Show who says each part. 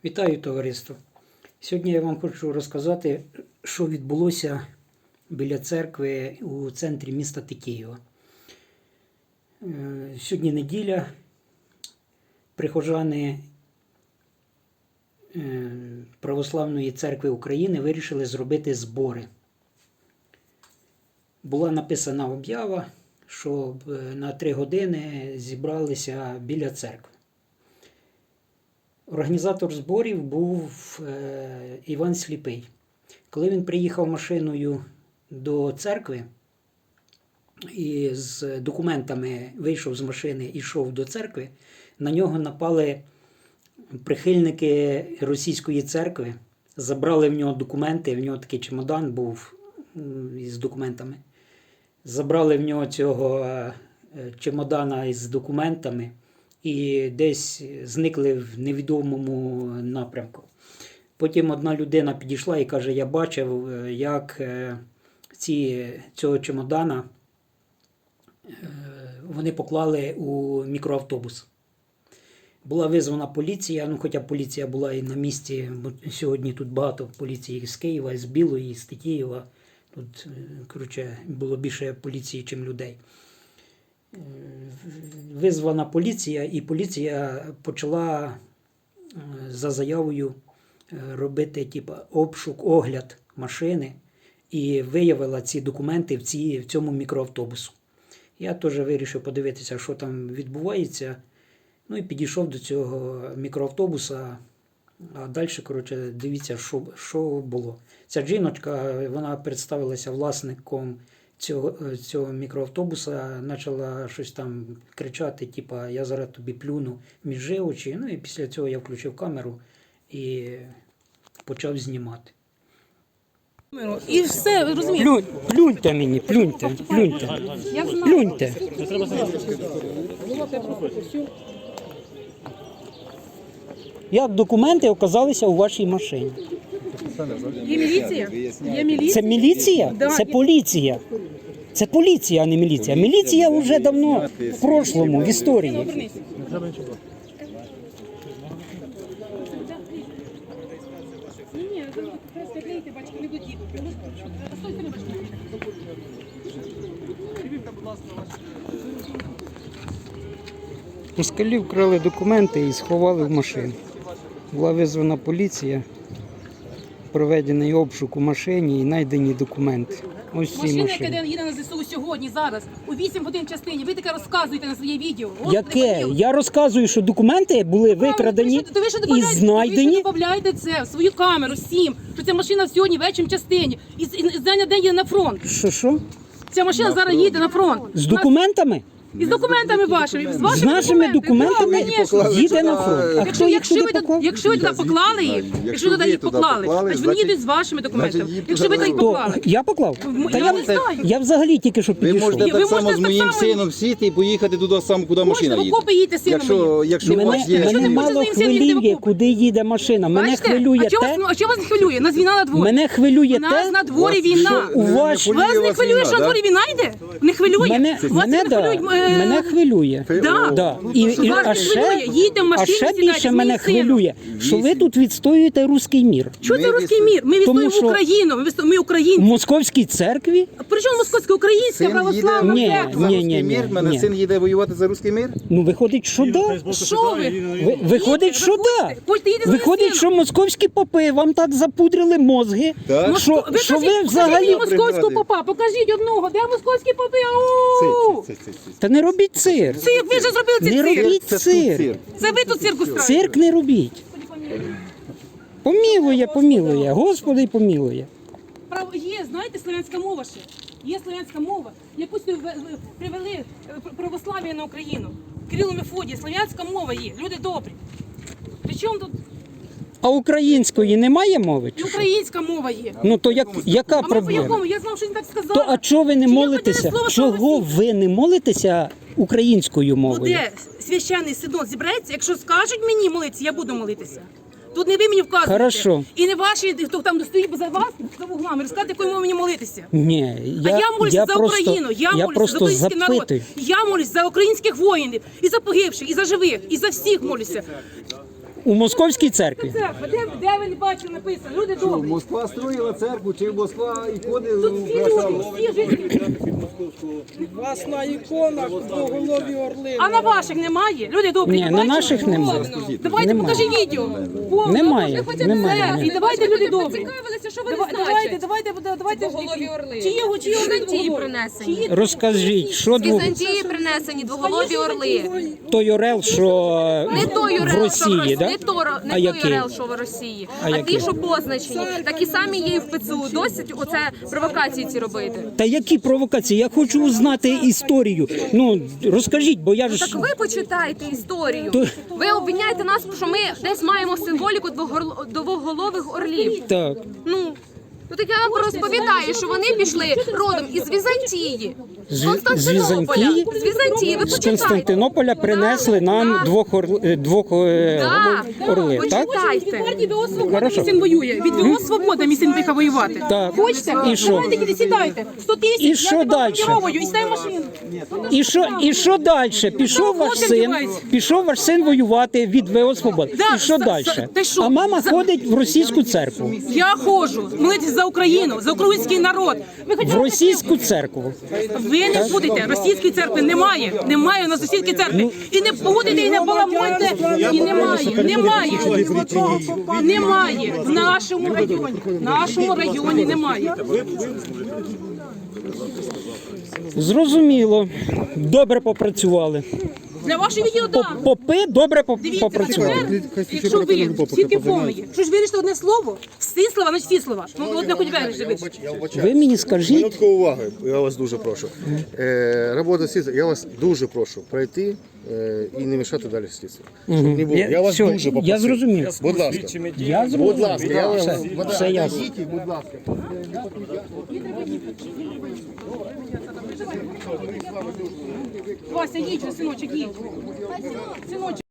Speaker 1: Вітаю, товариство! Сьогодні я вам хочу розказати, що відбулося біля церкви у центрі міста Києва. Сьогодні неділя. Прихожани Православної церкви України вирішили зробити збори. Була написана об'ява, що на 3 години зібралися біля церкви. Організатор зборів був Іван Сліпий. Коли він приїхав машиною до церкви і з документами вийшов з машини і йшов до церкви, на нього напали прихильники російської церкви, забрали в нього документи, в нього такий чемодан був із документами. Забрали в нього цього чемодана із документами і десь зникли в невідомому напрямку. Потім одна людина підійшла і каже, я бачив, як цього чемодана вони поклали у мікроавтобус. Була визвана поліція, хоча поліція була і на місці, бо сьогодні тут багато поліції з Києва, з Білої, з Києва. Тут, було більше поліції, ніж людей. Визвана поліція, і поліція почала за заявою робити обшук, огляд машини і виявила ці документи в цьому мікроавтобусу. Я теж вирішив подивитися, що там відбувається. Ну і підійшов до цього мікроавтобуса, а далі, дивіться, що було. Ця жіночка, вона представилася власником цього мікроавтобуса, почала щось там кричати, я зараз тобі плюну між очі. Ну і після цього я включив камеру і почав знімати.
Speaker 2: І все, ви розумієте?
Speaker 1: Плюньте мені, плюньте. Плюньте. Як документи оказалися у вашій машині?
Speaker 2: Є міліція? Є міліція?
Speaker 1: Це міліція?
Speaker 2: Да.
Speaker 1: Це поліція. Це поліція, а не міліція. Міліція вже давно в прошлому, в історії.
Speaker 2: Ні, просто клеїти, бачите, не будіть.
Speaker 1: Москалі вкрали документи і сховали в машину. Була визвана поліція, проведений обшук у машині і знайдені документи. Ось ці
Speaker 2: Машина,
Speaker 1: машини.
Speaker 2: яка їде на ЗСУ сьогодні, зараз, у 8 годин частині, ви таке розказуєте на своє відео.
Speaker 1: Яке? Я розказую, що документи були викрадені і знайдені.
Speaker 2: Ви додаєте це в свою камеру всім, що ця машина сьогодні вечір частині. І з дня на день їде на фронт.
Speaker 1: Що?
Speaker 2: Ця машина зараз їде на фронт.
Speaker 1: З документами?
Speaker 2: І з документами вашими.
Speaker 1: З нашими документами їде на фронт. А хто їх туди поклав?
Speaker 2: Якщо ви туди поклали їх, якщо туди їх поклали, значить вони їдуть з вашими документами. Якщо ви туди їх поклали.
Speaker 1: Я поклав?
Speaker 2: Я не знаю.
Speaker 1: Я взагалі тільки що
Speaker 3: Ви
Speaker 1: підійшов.
Speaker 3: можете
Speaker 2: ви
Speaker 3: так само
Speaker 2: можете
Speaker 3: з
Speaker 2: так
Speaker 3: моїм
Speaker 2: само-
Speaker 3: сином сіти і поїхати туди саме, куди машина
Speaker 2: Можете в
Speaker 3: їде.
Speaker 2: окопи їдьте з сином моїм.
Speaker 3: Якщо у вас
Speaker 1: Мене
Speaker 3: є...
Speaker 2: Якщо не
Speaker 1: мало
Speaker 2: можете з ним сидіти в
Speaker 1: хвилює,
Speaker 2: окопі.
Speaker 1: куди їде машина. Мене
Speaker 2: Бачите?
Speaker 1: хвилює
Speaker 2: А що вас не хвилює? Нас війна на дворі.
Speaker 1: Мене хвилює
Speaker 2: У нас на дворі війна.
Speaker 1: у ваш...
Speaker 2: Вас не хвилює, що на дворі війна йде? Не хвилює? Вас не хвилюють,
Speaker 1: Мене хвилює.
Speaker 2: Да.
Speaker 1: І,
Speaker 2: Вас
Speaker 1: а
Speaker 2: не
Speaker 1: ще,
Speaker 2: хвилює. Їдьте в машині,
Speaker 1: а ще
Speaker 2: сідайте
Speaker 1: більше
Speaker 2: з моїм
Speaker 1: мене
Speaker 2: сином.
Speaker 1: хвилює, що ви тут відстоюєте руський мір.
Speaker 2: Що це
Speaker 3: Ми
Speaker 2: русський мір? Ми
Speaker 1: Тому
Speaker 2: відстоюємо
Speaker 1: що-
Speaker 2: Україну. Ми
Speaker 1: В
Speaker 2: українці.
Speaker 1: московській церкві?
Speaker 2: При чому московська, українська,
Speaker 3: Син
Speaker 2: православна
Speaker 1: Ні.
Speaker 2: церква?
Speaker 3: За
Speaker 1: Ні,
Speaker 3: руський мір? Мене
Speaker 1: ні.
Speaker 3: син їде воювати за руський мір?
Speaker 1: Ну, виходить, що да.
Speaker 2: Що ви?
Speaker 1: Виходить, що да.
Speaker 2: Хочете, їдьте з моїм
Speaker 1: Виходить, що
Speaker 2: сином.
Speaker 1: московські попи вам так запудрили мозги,
Speaker 3: Так.
Speaker 1: що ви
Speaker 2: Покажіть
Speaker 1: взагалі...
Speaker 2: мені московського попа, покажіть одного. Де московські попи? Ау!
Speaker 1: Та не робіть цирк.
Speaker 2: Цирк, ви вже зробили цей
Speaker 1: Не
Speaker 2: цирк.
Speaker 1: робіть
Speaker 3: Це тут
Speaker 1: цирк.
Speaker 3: цирк.
Speaker 2: Це ви тут цирку ставите.
Speaker 1: Цирк не робіть. Помілує, Господи помілує.
Speaker 2: Є, знаєте, слов'янська мова ще. Є слов'янська мова. Якусь привели православ'я на Україну. Кирило Мефодій, слов'янська мова є. Люди добрі. Причому тут
Speaker 1: А української немає мови?
Speaker 2: і українська мова є.
Speaker 1: Ну то яка
Speaker 2: А ми по
Speaker 1: проблема?
Speaker 2: якому? Я знав, що він так сказав.
Speaker 1: То а чого ви не
Speaker 2: Чи я
Speaker 1: молитеся?
Speaker 2: хотіла слово
Speaker 1: Чого
Speaker 2: «православ'я»?
Speaker 1: ви не молитеся українською мовою?
Speaker 2: Буде священний синод зібрається, якщо скажуть мені молитися, я буду молитися. Тут не ви мені вказуєте.
Speaker 1: Хорошо.
Speaker 2: І не ваші, хто там стоїть за вас, за вуглами, розказати, якою мовою мені молитися.
Speaker 1: Ні,
Speaker 2: А я молюся за
Speaker 1: просто,
Speaker 2: Україну, я молюся за
Speaker 1: просто
Speaker 2: український народ.
Speaker 1: запитую.
Speaker 2: Я молюся за українських воїнів, і за погибших, і за живих, і за всіх молюся.
Speaker 1: У московській церкві.
Speaker 2: Церква, де ви не бачили написано? Люди добрі.
Speaker 3: Москва строїла церкву, чи Москва ікони
Speaker 2: Тут всі люди, всі жителі.
Speaker 4: Власна ікона, двоголові орли.
Speaker 2: А на ваших немає? Люди добрі.
Speaker 1: Ні,
Speaker 2: не
Speaker 1: на
Speaker 2: бачили?
Speaker 1: наших немає.
Speaker 2: Повно. Давайте
Speaker 1: Немає.
Speaker 2: покажи відео. Повно.
Speaker 1: Немає,
Speaker 2: Все.
Speaker 1: немає.
Speaker 2: І давайте люди добрі.
Speaker 5: Цікавилися, що вони
Speaker 2: Давайте.
Speaker 5: Двоголові орли.
Speaker 2: Чиї
Speaker 5: Візантії принесені.
Speaker 1: Розкажіть, що
Speaker 5: З Візантії принесені двоголові орли.
Speaker 1: той орел, що
Speaker 5: Не той
Speaker 1: в
Speaker 5: орел, що в
Speaker 1: Росії,
Speaker 5: Росії,
Speaker 1: да?
Speaker 5: не
Speaker 1: А
Speaker 5: той
Speaker 1: який?
Speaker 5: орел, що в Росії,
Speaker 1: А
Speaker 5: а
Speaker 1: який?
Speaker 5: ті, що позначені. Такі самі є і в ПЦУ. Досить оце провокації ці робити.
Speaker 1: Та які провокації? Я хочу узнати історію. Ну, розкажіть, бо я ж...
Speaker 5: Так ви почитайте історію.
Speaker 1: То-
Speaker 5: Ви обвиняєте нас, що ми десь маємо символіку двоголових орлів.
Speaker 1: Так.
Speaker 5: Ну так я вам розповідаю, що вони пішли родом із Візантії, з
Speaker 1: З
Speaker 5: Константинополя.
Speaker 1: Візантії?
Speaker 5: З Візантії, ви
Speaker 1: З
Speaker 5: почитайте.
Speaker 1: Константинополя принесли нам двох орлів, так?
Speaker 5: Почитайте.
Speaker 2: Партії ВО «Свобода»
Speaker 1: Хорошо.
Speaker 2: мій син воює. Від ВО «Свобода» мій син приїхав воювати.
Speaker 1: Так.
Speaker 2: Хочете?
Speaker 1: І що?
Speaker 2: Давайте тільки сідайте. 100 тисяч,
Speaker 1: І
Speaker 2: я
Speaker 1: що
Speaker 2: тебе
Speaker 1: дальше?
Speaker 2: командировую, і стай в машину.
Speaker 1: І що далі? Пішов ваш
Speaker 2: хлопці
Speaker 1: син,
Speaker 2: вдіваються.
Speaker 1: воювати від ВО «Свобода».
Speaker 2: Да,
Speaker 1: І що далі?
Speaker 2: ти що?
Speaker 1: А мама ходить в російську церкву.
Speaker 2: Я ходжу молитися за Україну, за український народ. Ви
Speaker 1: В
Speaker 2: хотіли
Speaker 1: російську церкву.
Speaker 2: ви не будете. Російської церкви немає. Немає у нас російської церкви. І не будете, і не баламуйте. І немає. Немає. В нашому районі. В нашому районі немає.
Speaker 1: Зрозуміло. Добре попрацювали.
Speaker 2: Для вашого відео, так.
Speaker 1: Попи добре
Speaker 2: Дивіться, а
Speaker 1: попрацювали.
Speaker 2: тепер, якщо ви тільки повні, що ж вирішите одне слово, всі слова, значить всі слова. Ну, от не хоч вирішити.
Speaker 1: Ви мені скажіть,
Speaker 6: Минутку уваги, я вас дуже прошу. Робота слідства, я вас дуже прошу пройти і не мішати далі слідству. Щоб не було. Я вас
Speaker 1: Все,
Speaker 6: дуже попросив.
Speaker 1: я зрозумів.
Speaker 6: Будь ласка.
Speaker 1: Я
Speaker 6: Будь
Speaker 1: зрозумів.
Speaker 6: ласка, я вас...
Speaker 1: Все ясно.
Speaker 6: Йдіть, будь ласка.
Speaker 2: Вася, їдь, синочок, їдь. Синочок.